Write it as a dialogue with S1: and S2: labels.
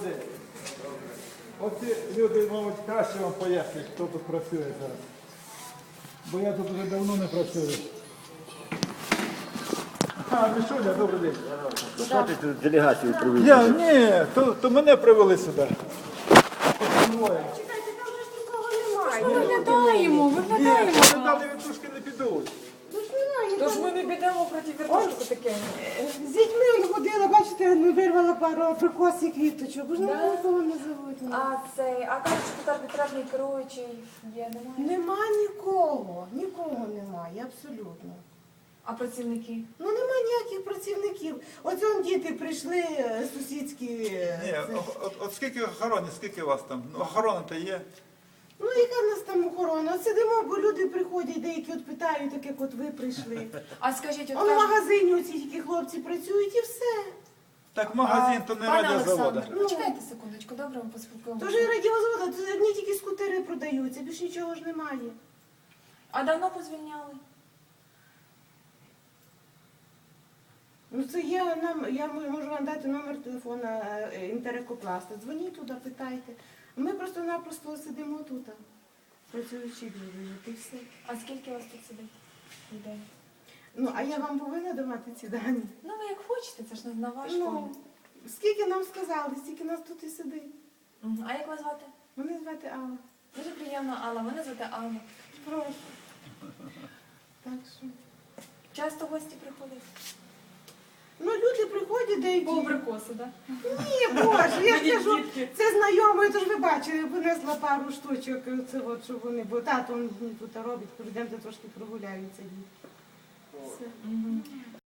S1: день. Оці люди, мабуть, краще вам пояснять, хто тут працює зараз. Бо я тут вже давно не працюю. Мішуня, добрий день.
S2: Що ти тут делегацію привів?
S1: Ні, то мене привели сюди.
S3: Чекайте, там же ж нікого немає.
S1: Ні, вони далі вертушки не підуть.
S4: Тож ми не підемо проти вертушки таке.
S3: З дітьми он ходила, бачите, вирвала пару абрикосів, квіточок. Бо ж нікого не зовуть.
S4: А кажуть, що тут арбітражний керуючий є, немає?
S3: Нема нікого немає, абсолютно.
S4: А працівники?
S3: Ну нема ніяких працівників. Оце он діти прийшли сусідські.
S1: Ні, от скільки охорони, скільки вас там? Ну, охорона-то є.
S3: Ну яка в нас там охорона? От сидимо, бо люди приходять, деякі от питають, так як от ви прийшли.
S4: А скажіть, от
S3: Он в
S4: кажуть,
S3: магазині оці тільки хлопці працюють і все.
S1: Так магазин то не
S4: пане
S1: радіозавода.
S4: Олександр, почекайте секундочку, добре, ми поспілкуємося.
S3: Тож і радіозвода, тут одні тільки скутери продаються, більш нічого ж немає.
S4: А давно позвільняли?
S3: Ну це я можу вам дати номер телефона інтерекопласта. Дзвоніть туди, питайте. Ми просто-напросто сидимо тут, працюючи люди, і все.
S4: А скільки вас тут сидить людей?
S3: Ну, а я вам повинна давати ці дані?
S4: Ну ви як хочете, це ж не на ваш
S3: Ну,
S4: погляд.
S3: скільки нам сказали, стільки нас тут і сидить.
S4: Мгм. А як вас звати?
S3: Мене звати Алла.
S4: Дуже приємно, Алла. Мене звати Анна.
S3: Прошу. Так що.
S4: Часто гості приходять?
S3: Ну, люди приходять деякі.
S4: По абрикосу, так?
S3: Ні, Боже, я ж
S4: Мені
S3: кажу,
S4: дітки.
S3: це знайомий, то ж ви бачили, винесла пару штучок, це от, щоб вони, бо тато тут робить, йдемте трошки прогуляються. Все.
S4: Мгм.